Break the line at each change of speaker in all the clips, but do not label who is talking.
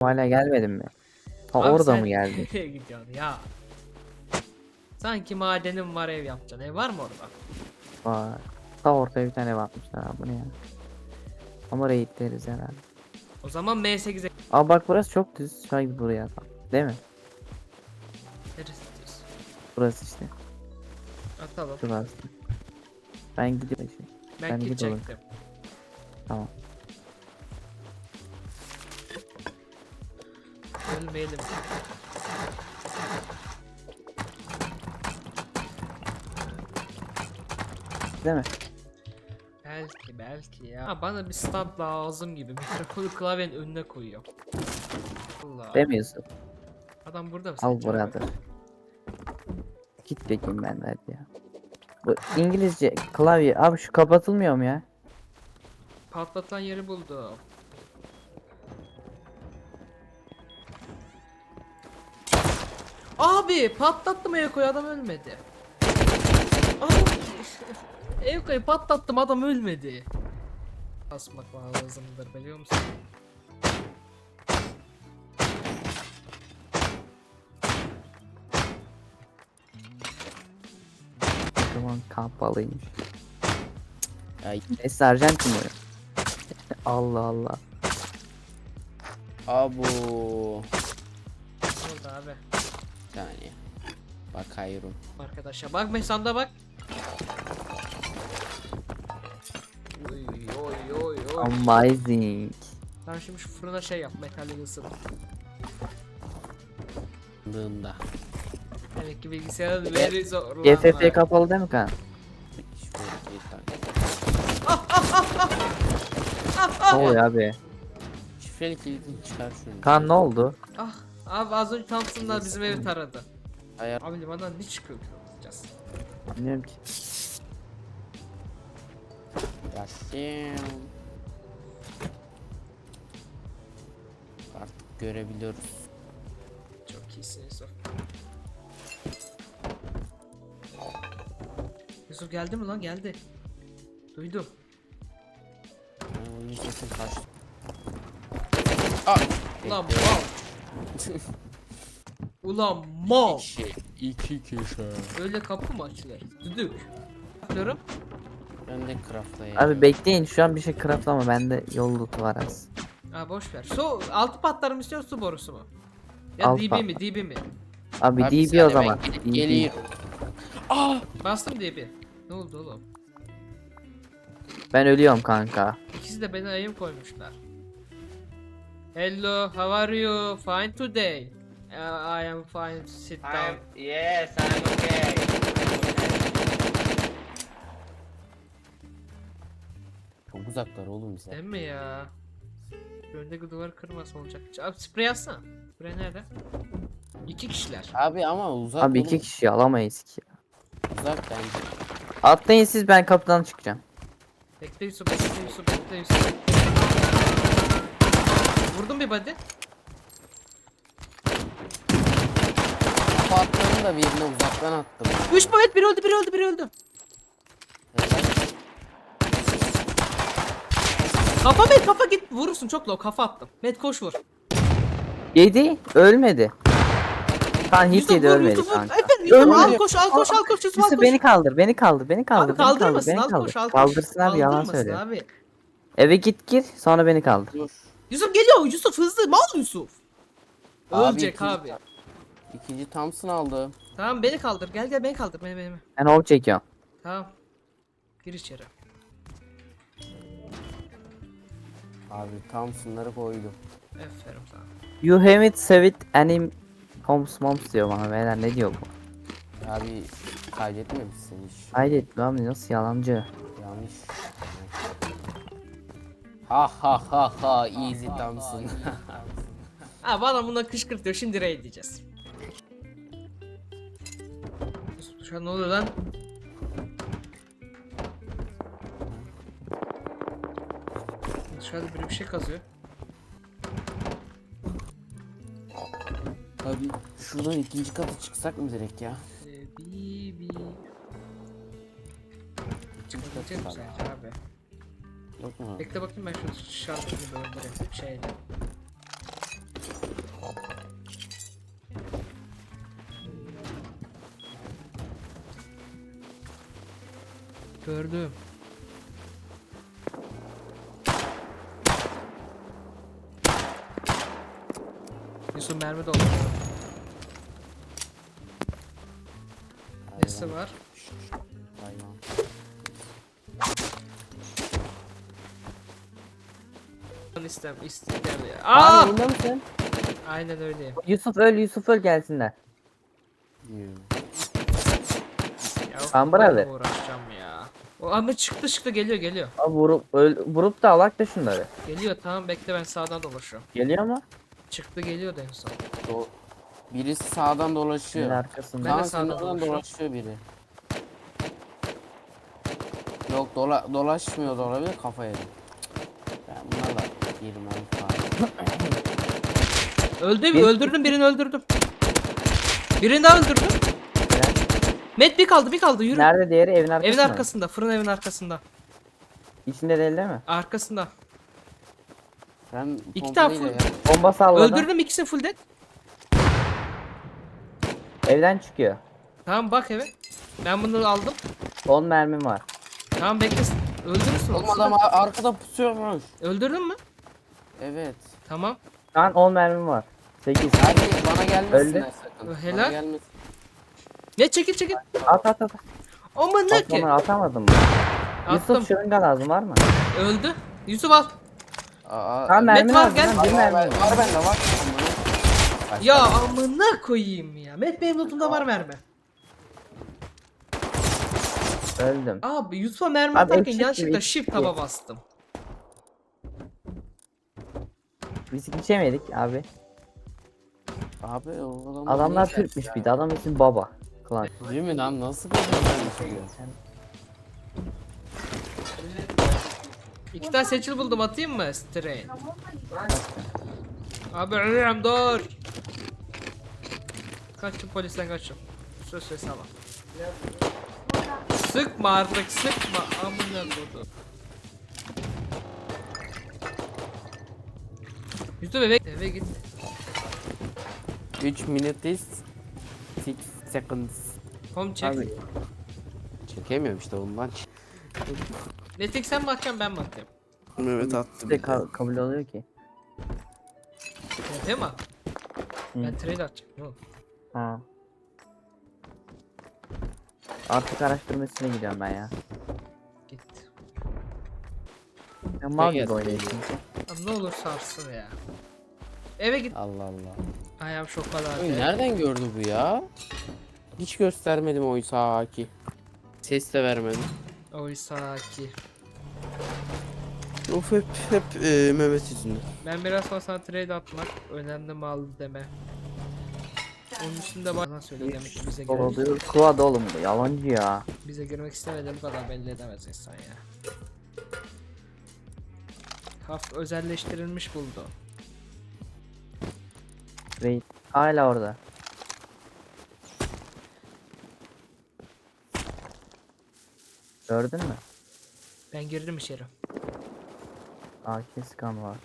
hala gelmedin mi? Ha
Abi
orada
sen
mı geldin?
nereye gidiyorsun ya? Sanki madenim var, ev yapacaksın. Ev var mı orada?
Var. Ta ortaya bir tane bakmışlar abi, bu ne ya? Ama raidleriz herhalde.
O zaman M8'e
Aa bak burası çok düz. Şöyle buraya atalım. Değil mi?
neresi istiyorsun?
Burası işte.
Atalım.
Şurası. Ben gidiyorum.
Ben
Sen
kit
git oğlum.
çektim.
Tamam.
Ölmeyelim.
Değil mi?
Belki ya. Ha, bana bir stand lazım gibi. Mikrofonu klavyenin önüne koyuyor. Allah.
Demiyorsun.
Adam burada mı?
Al
Sence abi?
buradır. Git bakayım ben de hadi ya. Bu İngilizce klavye. Abi şu kapatılmıyor mu ya?
Patlatan yeri buldum. Abi patlattım Eko'yu, adam ölmedi. Abi Eko'yu patlattım, adam ölmedi. Basmak lazımdır biliyor musun?
Tamam kapalıymış.
Ay.
Arjantin mi? Allah Allah.
Abu.
Orada abi.
Bir saniye. Bakıyorum.
Arkadaşa bak, mesanda bak. Oy oy oy oy.
Amazing.
Ben şimdi şu fırına şey yap, metalli ısıt.
Dığında.
Demek ki bilgisayarın veri zorlanma.
GFF kapalı değil mi kan? Ne oluyor abi?
Şifreli kilidini çıkar şunu.
Kan ne oldu?
Ah abi, az önce Thompson'lar bizim evi taradı.
Ayar.
Abi limandan ne çıkıyor ki olacağız?
Bilmiyorum ki.
Yasin. Artık görebiliyoruz.
Çok iyisin Yusuf. Yusuf geldi mi lan? Geldi. Duydum.
Onun sesin kaçtı.
Ulan mal. Ulan mal.
İki kişi.
Öyle kapı mı açılır? Düdük. Yapıyorum.
Ben de craftlayayım.
Abi bekleyin, şu an bir şey craftlama, bende yol lootu var az.
Ha boş ver. Su altı patlar mı istiyorsun, su borusu mu? Ya
Alt
DB
pat-
mi? DB mi?
Abi
Abi
DB o
sen
zaman.
hemen
DB.
Geliyorum.
Bastım DB. Ne oldu oğlum?
Ben ölüyorum kanka.
İkisi de beni ayım koymuşlar. Hello, how are you? Fine today. I am fine. Sit down.
Yes, I'm okay.
Çok uzaklar oğlum bize.
Değil mi ya? Öndeki duvarı kırması olacak. Abi sprey atsana. Sprey nerede? İki kişiler.
Abi ama uzak
Abi
oğlum.
iki kişi alamayız ki.
Uzak bence.
Atlayın siz, ben kapıdan çıkacağım.
Bekle Yusuf, bekle Yusuf, bekle Yusuf. Vurdum bir body.
Kafa attığını da birine uzaktan attım.
3 evet, biri öldü, biri öldü, biri öldü. Kafa Met, kafa git, vurursun çok low, kafa attım. Met koş vur.
Yedi, ölmedi. Kan hiç
Yusuf
yedi,
vur,
ölmedi
Yusuf vur.
kanka.
Efendim Yusuf al
Ölmedi.
koş, al koş, al koş, Yusuf al
Yusuf
koş.
beni kaldır, beni kaldır, beni kaldır.
Abi
beni kaldır,
kaldırmasın,
beni
al
kaldır.
koş, al koş.
Kaldırsın abi, yalan
Kaldırmasın
söylüyor.
abi.
Eve git sonra beni kaldır.
Dur.
Yusuf geliyor, Yusuf hızlı, mal Yusuf.
Abi,
Ölecek
ikinci-
abi.
İkinci Thompson aldı.
Tamam beni kaldır, gel gel beni kaldır, beni.
Ben hop çekiyorum.
Tamam. Gir içeri.
Abi Thompson'ları koydum.
Aferin sana.
You haven't saved any homes moms diyor bana, beyler ne diyor bu?
Abi kaydetmemişsin hiç.
Hayret abi, nasıl yalancı.
Yanlış. Ha ha ha ha easy Thompson.
Ha bana bundan kışkırtıyor, şimdi raid diyeceğiz. Yusuf şu an ne oluyor lan? Dışarıda biri bir şey kazıyor.
Abi şuradan ikinci kata çıksak mı direkt ya?
Bibi.
İkinci kata
Çıkabilecek misin
çıkalım.
sence abi?
Yok mu?
Bekle bakayım, ben şu şarkıyı böyle şeyle. Gördüm. Yusuf mermi doldu. Nesi var?
Hayvan.
İstem ya.
Abi
Aa!
yayında mısın?
Aynen öyle.
Yusuf öl, Yusuf öl gelsinler.
Ya
Amber
bunlarla
abi.
mı uğraşacağım ya. O ama çıktı geliyor.
Abi vurup da alak da şunları.
Geliyor tamam bekle ben sağdan dolaşıyorum.
Geliyor mu?
Çıktı geliyor da en son.
Birisi sağdan
Senin
dolaşıyor.
arkasında.
Ben de
Kaan senin
sağdan
oradan
dolaşıyorum.
dolaşıyor biri. Yok dolaşmıyor da olabilir kafa yedi. Ben bunlarla yerim onu falan.
Öldürdüm birini öldürdüm. Birini daha öldürdüm.
Helal.
Met bir kaldı yürü.
Nerede diğeri evin arkasında?
Evin
mı?
arkasında fırın evin arkasında.
İçinde değil mi?
Arkasında.
Ben
İki tane
pompalıyla
full-
Bomba salladım.
Öldürdüm ikisini full dead.
Evden çıkıyor.
Tamam bak eve. Ben bunu aldım.
10 mermim var.
Tamam bekle. Öldürürsün.
Oğlum
onu.
adam arkada pusuyormuş.
Öldürdün mü?
Evet.
Tamam.
Şu an 10 mermim var. 8.
Hadi bana gelmesin
Öldü.
sakın.
Helal.
Bana gelmesin.
Ne çekil.
At.
Ama ne ki?
Atmadan atamadım.
Attım.
Yusuf şırınga lazım var mı?
Öldü. Yusuf al.
Aa,
mermi
var,
lazım
gel.
lan, bir mermi var.
var bende var.
Ya amına koyayım ya. Met benim lootumda var mermi.
Öldüm.
Abi Yusuf'a mermi
Abi
atarken
eksik
yanlışlıkla
gibi,
shift
eksik.
taba bastım.
Biz içemedik abi.
Abi o adam
Adamlar Türkmüş bir de. Adam ismi Baba. Klan.
Değil mi lan nasıl böyle?
İki tane seçil buldum atayım mı? Strain. Abi ölüyorum dur. Kaçtım polisten kaçtım. Söz ama. Sıkma artık sıkma. Amına kodu. Yusuf eve git.
3 minutes 6 seconds.
Home check.
Abi
Çekemiyorum işte ondan.
Netik sen mi atacaksın ben mi atayım?
Evet attım.
de kabul oluyor ki.
Değil mi?
Hı.
Ben trade atacağım. Ne oldu?
Ha. Artık araştırmasına gidiyorum ben ya.
Git.
Ya mal
Gel,
gibi oynayayım
gel.
çünkü.
Abi ne olur sarsın ya. Eve git.
Allah Allah.
Ayağım şokalar.
Oy, nereden gördü bu ya? Hiç göstermedim oysa ki. Ses de vermedim.
Oysa ki.
Of hep Mehmet yüzünden.
Ben biraz sonra sana trade atmak önemli mal deme. Onun üstünde bana söyle demek ki
Oluyor. Quad oğlum bu yalancı ya.
bize girmek istemediğim kadar belli edemez insan ya. Haf özelleştirilmiş buldu.
Raid. Hala orada. Gördün mü?
Ben girdim içeri.
AK scan var.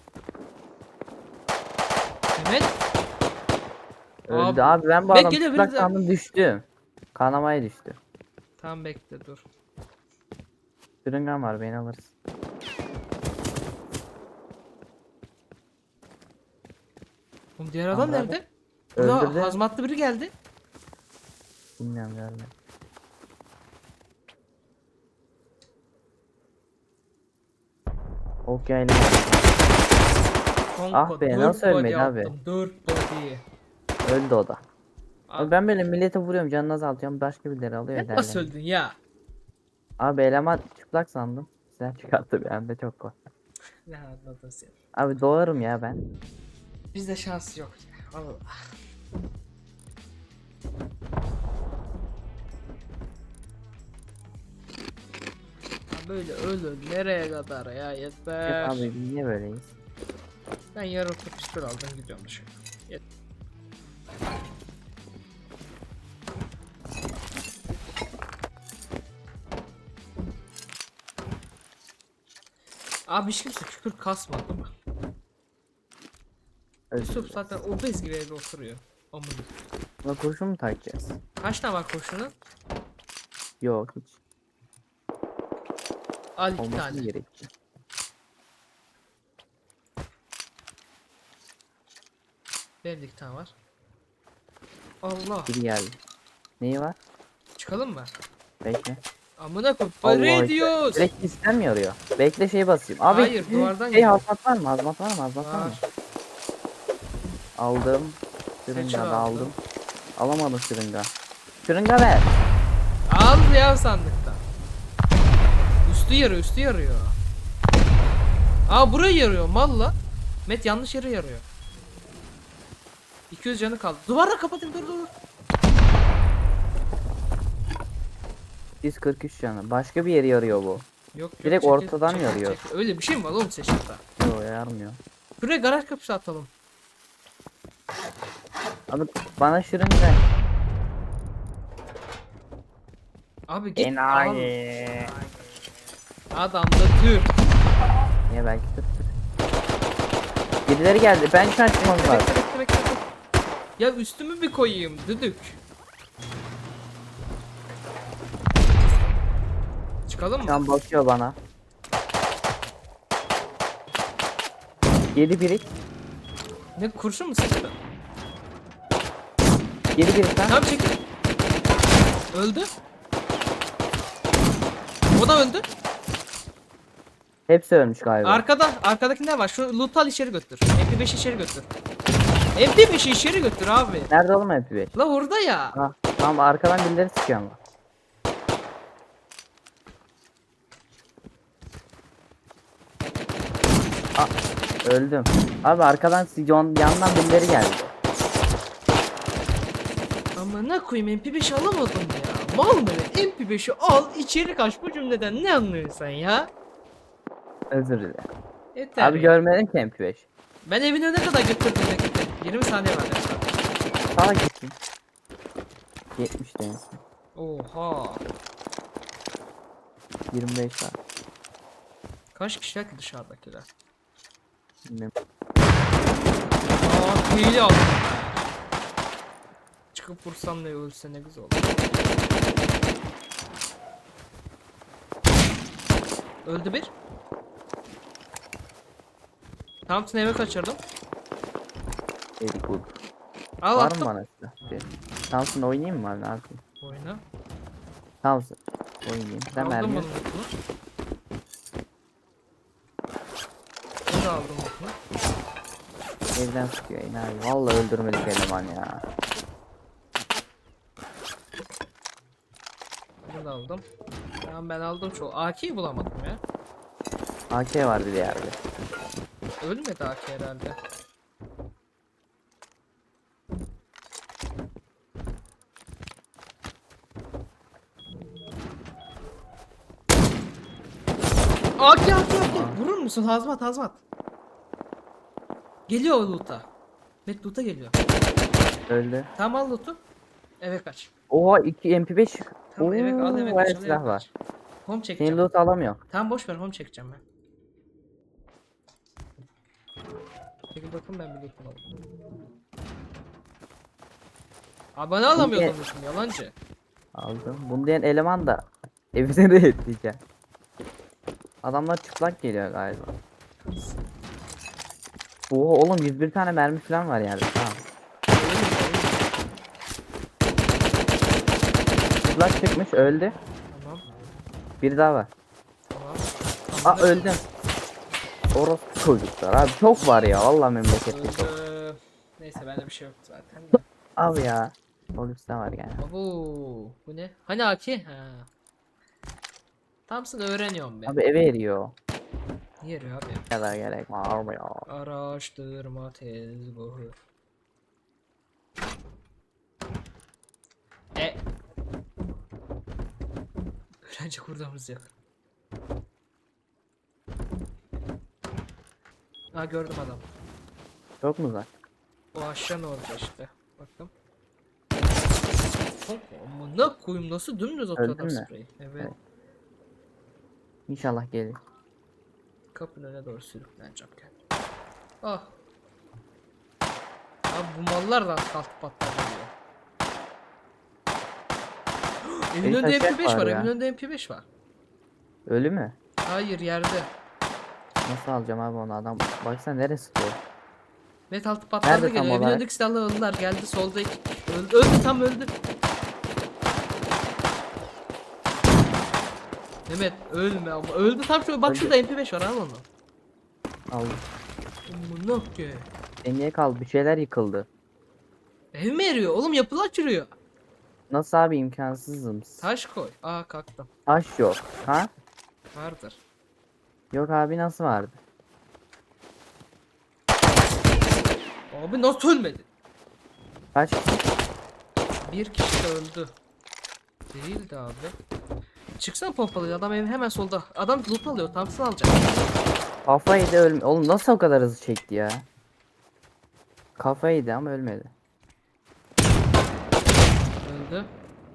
Mehmet.
Öldü abi, ben bu
Bek
adam
geliyor,
çıplak
biri de-
sandım, düştüm. Kanamaya düştü.
Tamam bekle dur.
Sürüngen var, beni alırız.
Oğlum diğer adam
Tamam,
nerede?
Öldürdü.
Burada hazmatlı biri geldi.
Bilmiyorum, görmedim. Ok yaylı.
Konko,
Ah be,
dört
nasıl
body
ölmedi abi?
attım, 4 body.
Öldü o da.
Abi,
Abi ben böyle millete vuruyorum, canını azaltıyorum, başka birileri alıyor
sen
ederler.
nasıl öldün ya?
Abi eleman çıplak sandım. Silah çıkarttı, bir anda çok korktum.
Ne anladın sen?
Abi doğarım ya ben.
Bizde şans yok ya. Allah. Ya böyle ölün nereye kadar ya yeter.
Yok abi, biz niye böyleyiz?
Ben yarıltı pistol aldım gidiyorum dışarı. Abi hiç kimse küfür kasmadı mı? Yusuf zaten obez gibi evde oturuyor. Amına.
Buna kurşun mu takacağız?
Kaç tane var kurşunun?
Yok hiç.
Al 2
Olması
tane.
gerek.
Benim de 2 tane var. Allah.
Biri geldi. Neyi var?
Çıkalım mı?
Bekle.
Amına koyayım.
Allah
Para
ekber.
ediyoruz.
Direkt sistem mi arıyor? Bekle şeyi basayım. Abi
Hayır, duvardan
şey
geliyor.
hazmat var mı? Hazmat var mı? Hazmat var mı?
Var.
Aldım.
Seçil
Şırınga da
aldım.
aldım. Alamadım şırınga. Şırınga ver.
Al ya sandıkta. Üstü yarıyor, üstü yarıyor. Aa burayı yarıyor malla. Met yanlış yere yarıyor. 200 canı kaldı. Duvarla kapatayım, dur dur dur.
143 canı. Başka bir yeri yarıyor bu.
Yok,
Direkt
çekil,
ortadan
çekil,
yarıyor.
çekil. Öyle bir şey mi var oğlum seçimde?
Yok yarmıyor.
Buraya garaj kapısı atalım.
Abi bana şırınga.
Abi git al.
Enayi.
Adamda tür.
Niye belki tut. Birileri geldi. Ben şu an çıkmam
Bekle
lazım.
bekle bekle. bekle. Ya üstümü bir koyayım düdük. Çıkalım
Şu
mı?
an bakıyor bana. 7 birik.
Ne kurşun mu sıktı?
7 birik lan.
Tamam çekil. Öldü. O da öldü.
Hepsi ölmüş galiba.
Arkadaki ne var? Şu loot al içeri götür. MP5 içeri götür. MP5'i içeri götür abi.
Nerede oğlum MP5?
La orada ya.
Ha, tamam arkadan birileri sıkıyor ama. Öldüm. Abi arkadan yandan birileri geldi.
Ama ne koyayım MP5 alamadım ya. Mal mı? MP5'i al içeri kaç, bu cümleden ne anlıyorsun sen ya?
Özür dilerim.
Yeter
Abi
ya.
görmedim ki MP5.
Ben evin önüne kadar götürdüm bekle. 20 saniye var.
Sağa gittim. 70 demişsin.
Oha.
25 var.
Kaç kişiler ki dışarıdakiler?
Bilmiyorum.
Aa hile aldım. Çıkıp vursam ne ölse ne güzel olur. Öldü bir. Thompson eve kaçırdım.
Very good.
Al
Var
attım.
mı bana silah? Thompson oynayayım mı abi? Ne yapayım?
Oyna.
Thompson oynayayım. Sen
Aldım
mermi.
bunu mutlu. Bunu da aldım mutlu.
Evden sıkıyor yine abi. Vallahi öldürmedik eleman ya.
Bunu da aldım. Tamam ben aldım çoğu. AK'yi bulamadım ya.
AK var bir de yerde.
Ölmedi AK herhalde. AK. Vurur musun? Hazmat hazmat. Geliyor o loot'a. Met loot'a geliyor.
Öldü.
Tamam al loot'u. Eve kaç.
Oha 2 MP5.
Tamam eve al eve
bayağı
kaç. Al, eve
silah
kaç.
var.
Home
Senin
çekeceğim.
loot alamıyor.
Tamam boş ver, home çekeceğim ben. Çekil bakın ben bir loot'um alayım. Abone alamıyordum loot'um yalancı.
Aldım. Bunu diyen eleman da evine de etleyeceğim. Adamlar çıplak geliyor galiba. Oha oğlum 101 tane mermi falan var yerde. Tamam. Çıplak çıkmış öldü.
Tamam.
Bir daha var.
Tamam.
Aa öldüm. Orospu çocuklar abi çok var ya vallahi memlekette çok.
Öldü. Neyse bende bir şey yok zaten de.
Abi ya. Polis'te var yani.
Abo, bu ne? Hani AK? Ha. Thompson öğreniyorum ben.
Abi eve eriyor.
Niye abi?
Ne kadar gerek var mı ya?
Araştırma tezgahı. Öğrenci kurdamız yok. Ha gördüm adam.
Çok mu uzak?
O aşağı ne oldu işte. Baktım. Amına koyayım nasıl dümdüz atıyor
Öldün
adam
mü?
spreyi. Evet.
Evet. İnşallah gelir.
Kapının önüne doğru sürükleneceğim kendim. Ah. Abi bu mallar da kalkıp patlayabiliyor. Evin
Bir
önünde
taşak
MP5
var
var,
ya.
evin önünde MP5 var.
Ölü mü?
Hayır yerde.
Nasıl alacağım abi onu adam? Baksana neresi diyor.
Met altı patladı
Nerede tam
geliyor. Evin
olarak?
önündeki silahlı öldüler. Geldi solda iki. Öldü, öldü tam öldü. Mehmet ölme ama. Öldü tam şu. Bak
Öldü.
şurada MP5 var al onu.
Aldım.
Amına ki.
Niye kaldı? Bir şeyler yıkıldı.
Ev mi eriyor? Oğlum yapılar çürüyor.
Nasıl abi imkansızım.
Taş koy. Aa kalktım.
Taş yok. Ha?
Vardır.
Yok abi nasıl vardı?
Abi nasıl ölmedi?
Kaç?
Bir kişi de öldü. Değildi abi. Çıksana pompalı adam evin hemen solda. Adam loot alıyor. Thompson alacak.
Kafayı da ölme. Oğlum nasıl o kadar hızlı çekti ya? Kafayı da ama ölmedi.
Öldü.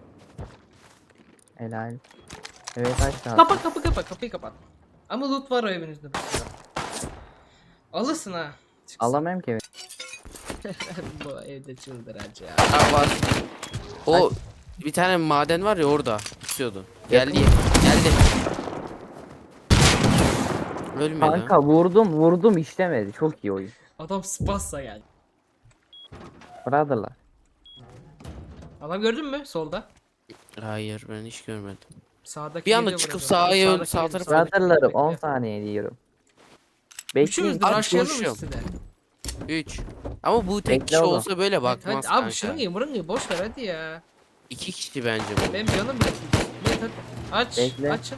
Helal. Evet taş lazım.
Kapıyı kapat. Ama loot var o evin üstünde. Alırsın ha. Çıksın.
Alamam ki.
Bu evde çıldıracak ya.
Ha var. O bir tane maden var ya orada. Tutuyordu. Geldi. Geldi. Ölmedi.
Kanka vurdum işlemedi. Çok iyi oyun.
Adam spassa geldi.
Brotherlar.
Adam gördün mü solda?
Hayır ben hiç görmedim.
Sağdaki
Bir anda
geliyor
çıkıp
buraya.
sağa yön,
Sağdaki
sağ
geliyor,
tarafa
sağdaki
Brotherlarım
geliyor.
10 saniye diyorum.
Üçümüz
Bekleyin.
de rushlayalım
konuşuyorum.
üstüne.
3. Ama bu tek
Bekle
kişi
oğlum.
olsa böyle bakmaz
Hadi
kanka.
abi şırıngayı boş ver hadi ya.
2 kişi bence bu.
Benim canım bile. Evet, hadi. Aç.
Bekle.
Açın.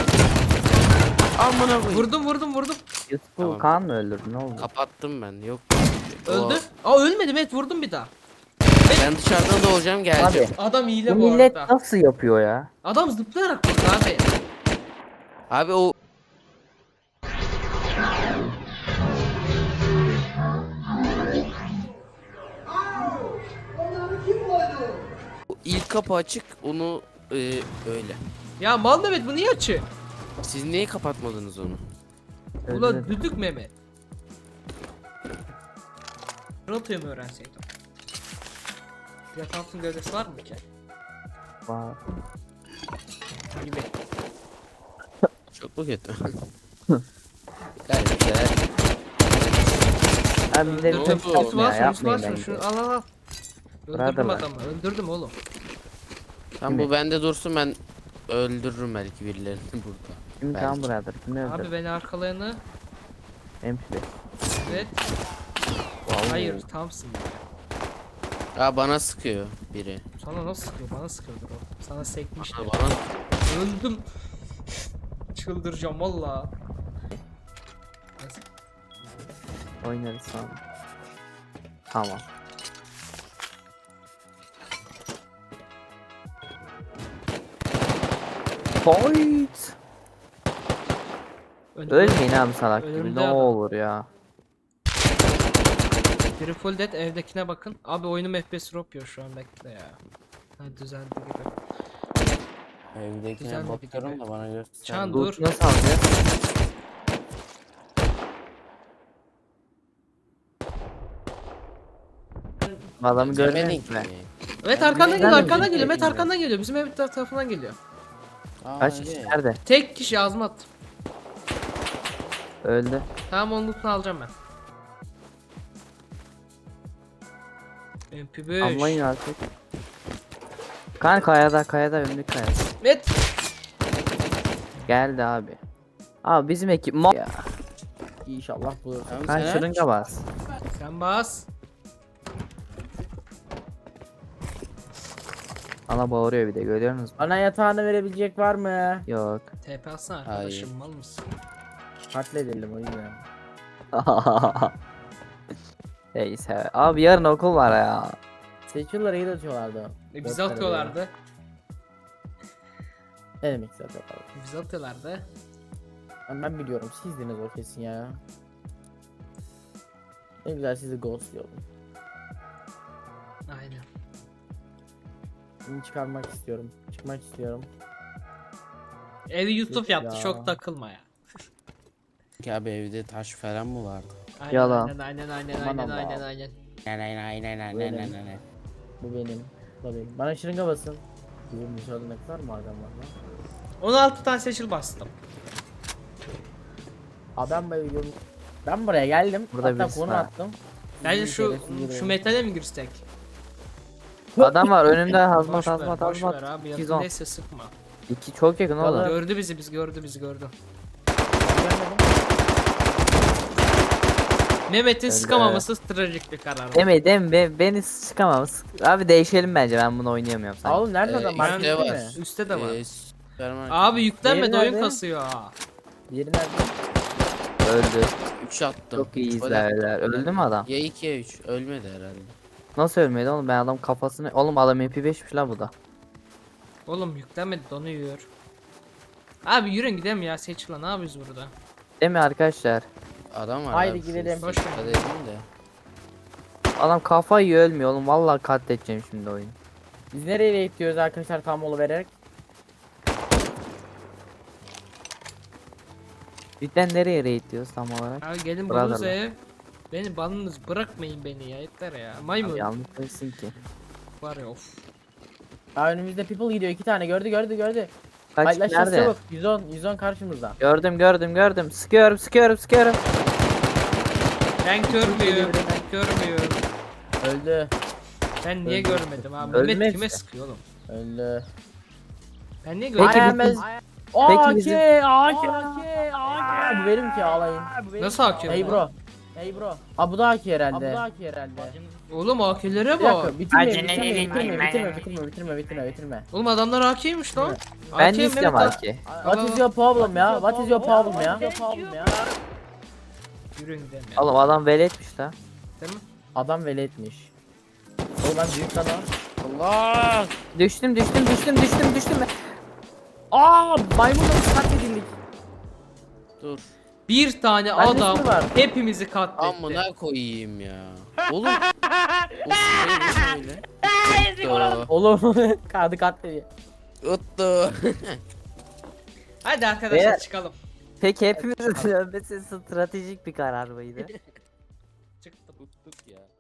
Amına koyayım.
Vurdum.
Yusuf'u
Tamam.
Kaan mı öldürdü ne oldu?
Kapattım ben. Yok.
Öldü. Aa ölmedi Met vurdum bir daha.
Ben dışarıdan doğacağım geleceğim.
Abi
Adam
bu
hile bu
millet
arada.
nasıl yapıyor ya?
Adam zıplayarak vurdu abi.
Abi o o ilk kapı açık onu öyle.
Ya mal Mehmet bu niye açı?
Siz niye kapatmadınız onu?
Ulan
Öldürdü.
düdük Mehmet. Rotoyu mu öğrenseydim? Yatansın gövdesi var mı ki?
Vay.
Gibi.
Çok mu kötü? Gayet güzel.
Abi bize bir
Ne
tek
oldu?
yapma ya yapmayın
Şunu
bence.
şunu al. Öldürdüm
Brotherlar.
adamı. Öldürdüm oğlum.
Tam bu bende dursun ben öldürürüm belki birilerini burada.
Kim
Belki.
Kaan brother? Kimi
Abi
öldürdü?
beni arkalayanı.
Hemşire.
Evet.
Vallahi.
Hayır Thompson.
Ya bana sıkıyor biri.
Sana nasıl sıkıyor? Bana sıkıyordur o. Sana sekmiştir.
Bana
Öldüm. Çıldıracağım valla. Neyse.
Oynarız sonra. Tamam. Fight. Ölmeyin abi salak gibi
Önümde
ne
adam.
olur ya.
Biri full dead evdekine bakın. Abi oyunum FPS drop yiyor şu an bekle ya. Ha düzeldi gibi.
evdekine
Güzel bir
bakıyorum
video.
da bana göster.
Çan
Dur.
dur.
Nasıl alacağız? Adamı
Görmedin
görmedin
ki.
mi?
Evet
Ben
arkandan
bir-
geliyor
ben de
arkandan
bir-
geliyor. Met arkandan geliyor. Bizim ev tarafından geliyor.
Aa,
Kaç
öyle.
kişi nerede?
Tek kişi azmat.
Öldü.
Tamam onun lootunu alacağım ben. MP5.
Anlayın artık. Kan kayada önlük kayada.
Met.
Geldi abi. Abi bizim ekip ma ya.
İnşallah bulursun.
Tamam,
Kan
sen aç.
şırınga bas.
Sen bas.
Ana bağırıyor bir de görüyorsunuz mu?
Bana yatağını verebilecek var mı?
Yok.
TP atsana arkadaşım mal mısın?
Katledelim o yüzden.
Neyse. Abi yarın okul var ya.
Seçiyorlar iyi atıyorlardı.
Bizi atıyorlardı.
Ne demek size atıyorlardı?
Bizi atıyorlardı.
Ben biliyorum sizdiniz o kesin ya. Ne güzel sizi ghostluyorum.
Aynen.
Şimdi çıkarmak istiyorum. Çıkmak istiyorum.
Evi Yusuf
Ya.
yaptı çok takılma ya.
Ki abi evde taş falan mı vardı?
Aynen,
Yalan.
Aynen
Aman Allah.
aynen.
Ne.
Bu benim. Bu da benim. Bana şırınga basın. Bizim dışarıda ne kadar maden var lan?
16 tane seçil bastım.
Abi ben bayılıyorum. Ben buraya geldim.
Burada
Hatta
birisi
konu
var.
attım.
Bence
Sizin
şu
şerefsiz
şu
yürüyün.
metale mi girsek?
Adam var önümde hazmat
Boş ver,
hazmat
boş ver
hazmat.
abi
210.
yakındaysa sıkma.
2 çok yakın oğlum.
Vallahi-
Gördü bizi gördü.
Gelmedim.
Mehmet'in
Öyle.
sıkamaması trajik bir karar.
Beni sıkamam. Abi değişelim bence, ben bunu oynayamıyorum
Aa,
sanki.
oğlum nerede adam?
İşte
Markette
var.
mi?
Üste de var.
Süpermarket.
Abi yüklenmedi
Diğeri
oyun
nerede?
kasıyor ha.
Yeri nerede?
Öldü.
3 attım.
Çok iyi
Üç gol
izlerler.
attım.
Öldü mü adam?
Ya 2 ya 3. Ölmedi herhalde.
Nasıl ölmedi oğlum, ben adam kafasını... Oğlum adam MP5'miş la bu da.
Oğlum yüklenmedi donuyor. Abi yürüyün gidelim ya Seçil'la ne yapıyoruz burada?
Değil mi arkadaşlar?
Adam var
Haydi
abi, şu
gidelim.
üstte
Boş ver.
dikkat edin de.
Adam kafayı yiyor, ölmüyor oğlum. Vallahi katledeceğim şimdi oyunu.
Biz nereye gidiyoruz arkadaşlar tam mola vererek?
Cidden nereye raid diyoruz tam olarak?
Abi gelin
Brotherlar.
bulunuz ev. Beni balınız bırakmayın beni ya yeter ya. Maymun
Abi yanlış değilsin ki.
var ya of.
Aa, önümüzde people gidiyor 2 tane gördü.
Kaç
Paylaşacağız
nerede?
çabuk. 110 karşımızda.
Gördüm. Sıkıyorum.
Ben görmüyorum. Görmüyorum.
Öldü.
Ben niye
Öldü.
görmedim abi?
Ölmez
Mehmet kime
ya.
sıkıyor oğlum?
Öldü.
Ben niye
Peki
görmedim?
biz-
AK,
bizim-
Bu benim ki ağlayın.
Nasıl hakim?
Hey bro. Aa bu da AK herhalde.
Oğlum AK'lere
Bir
bak.
dakika bitirme.
Oğlum adamlar AK'ymiş lan.
Ben
AK
de istiyorum
Mehmet
belki.
What is your problem ya? What is your problem ya?
Yürüyün gidelim ya.
Oğlum adam veletmiş la.
Değil mi?
Adam veletmiş. Oğlum ben büyük adam.
Allah!
Düştüm.
Aa maymunla katledildik.
Dur.
Bir tane
Bende
adam
sürü var.
hepimizi katletti.
Amına koyayım ya. Oğlum. O şey ne böyle? Uttu.
Oğlum kadı katlediyor.
Uttu.
Hadi arkadaşlar
Beyler-
çıkalım.
Peki hepimizin ölmesi stratejik bir karar mıydı?
Çıktım.
Uttuk ya.